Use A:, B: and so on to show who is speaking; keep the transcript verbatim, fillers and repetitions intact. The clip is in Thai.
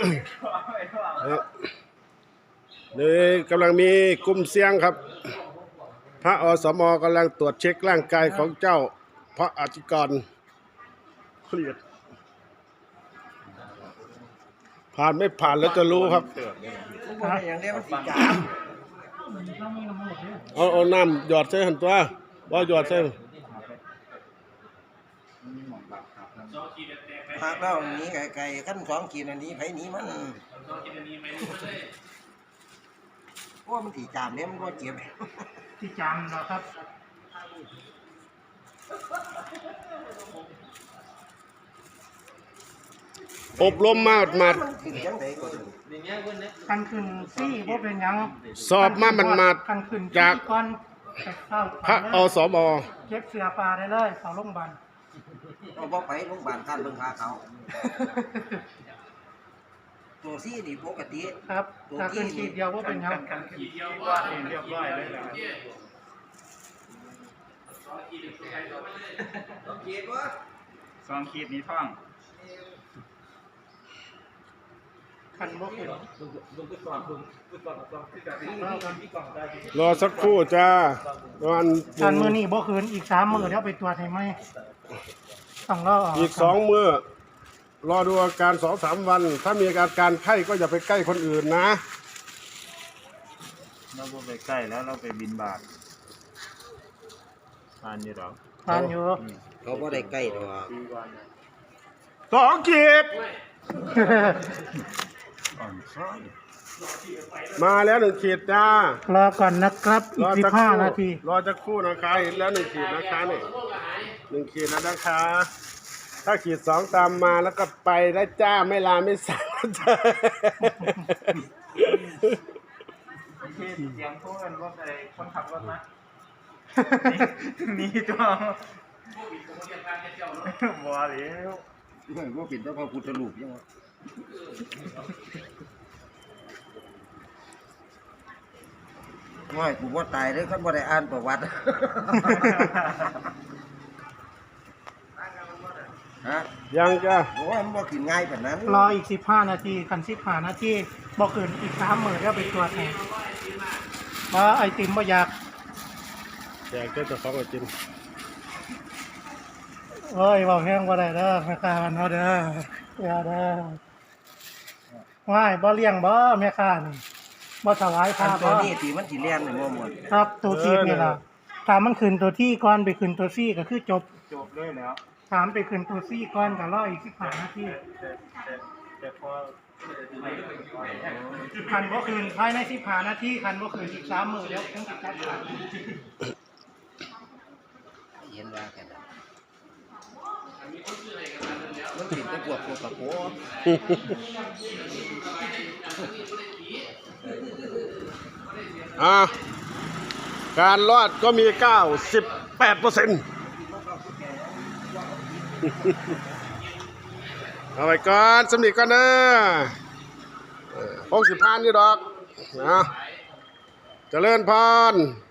A: นี่กำลังมีกลุ่มเสี่ยงครับพระอสมกำลังตรวจเช็คร่างกายของเจ้าพระอธิกรเครียดผ่านไม่ผ่านแล้วจะรู้ครับเอาเอาน้ำหยอดใส่หันตัวว่าหยอดใส่
B: หากเราหนีไก่ไก่ขั้นสองขีดอันนี้ไผหนีมันเพราะมันถีจามเนี่ยมันก็เจ็บ
C: ที่จามนะครับ
A: อบรมมาหมาด
C: กันขึ้นซี่เพราะเป็นยัง
A: สอบมามันมาจากพระอสม
C: เก็บเสือปลาได้เลยเขาลงบัน
B: เราบอกไปโรงพยาบาลท่านเบิ่งพาเขาตัวซี่นี่ปกติ
C: ครับถ้าขึ้นขีดเดียวว่าเป็นยัง
D: กันขีดเดียวว่าเรียบร้อยเลยนะสองขีดวะสองขีดนี้ท่อง
C: คันบ่ขึ้น
A: รอสักครู่จ้าวัน
C: คันมือนี่บ่ขึ้นอีกสามมือเดี๋ยวไปตรวจให้ไหมต้องรอ
A: อีกสองมือรอดูอาการสองสามวันถ้ามีอาการการไข้ก็อย่าไปใกล้คนอื่นนะ
D: เราไปใกล้แล้วเราไปบินบาททานอยู่หรอ
C: ทานอยู่
B: เขาก็ได้ใกล้ตัว
A: สองขีดมาแล้วหนึ่งขีดจ้าร
C: อก่อนนะครับอีกสิบห้านาที
A: รอจะคู่นะคะเห็นแล้วหนึ่งขีดนะคะนี่หนึ่งขีดแล้วนะคะถ้าขีดสองตามมาแล้วก็ไปได้จ้าไม่ลาไม่สั่งจ้า
D: เสียงพูดกันว่าใครคนขับรถนะนี่ตัวบัวเหลว
B: เรื่องว่าปิดแล้วพอพูดสรุปยังวะไม่กูว่าตายเลยเขาบ่ได้อ่านประวัติฮะ
A: ยังจ้ะ
B: โอ้ยมันบ่ขึ้นง่ายแบบนั้น
C: รออีกสิบห้านาทีคันสิบห้านาทีบ่ขึ้นอีกสามมื้อแล้วไปตรวจให้บ่ไอติมบ่อยาก
A: อยากจะของไอติม
C: โอ้ยบ่แห้งบ่ได้เด้อแม่ค้ามันเฮาเด้ออย่าเด้อว้ายบ่เลี้ยงบ่แม่ค้านี่บ่ถวายพระ
B: ตัวนี้ที่มันสิแล่นนี่บ่หมด
C: ครับตัวที่นี่ล่ะถ้ามันขึ้นตัวที่ก่อนไปขึ้นตัวซี่ก็คือจบ
D: จบเลยแล้ว
C: ถามไปขึ้นตัวซี่ก่อนก็รออีกสิบห้านาที
D: แต่พอ
C: คันบ่ขึ้นภายในสิบห้านาทีคันบ่ขึ้นอีกสามมื้อแล้วคงสิจัดการ
B: เย็นว่ากันมันติดตะกวดตัวกระโปง
A: อ่าการรอดก็มี เก้าสิบแปดเปอร์เซ็นต์ เอาไปก่อนสำนีก่อนเด้อหกสิบพันนี่ดอกนะเจริญพร